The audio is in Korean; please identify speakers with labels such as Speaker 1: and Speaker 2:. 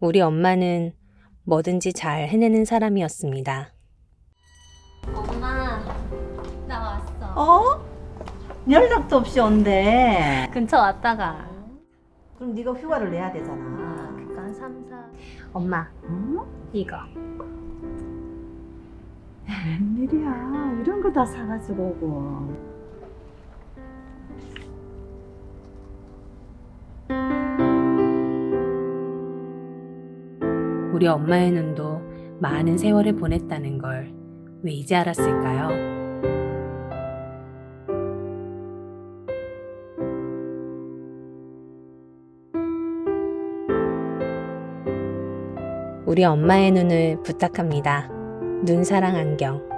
Speaker 1: 우리 엄마는 뭐든지 잘 해내는 사람이었습니다.
Speaker 2: 엄마, 나 왔어.
Speaker 3: 어? 연락도 없이 온대.
Speaker 2: 근처 왔다가.
Speaker 3: 그럼 네가 휴가를 내야 되잖아.
Speaker 2: 그니까 한 3, 4. 엄마,
Speaker 3: 응?
Speaker 2: 이거.
Speaker 3: 웬일이야. 이런 거 다 사가지고 오고.
Speaker 1: 우리 엄마의 눈도 많은 세월을 보냈다는 걸 왜 이제 알았을까요? 우리 엄마의 눈을 부탁합니다. 눈사랑 안경.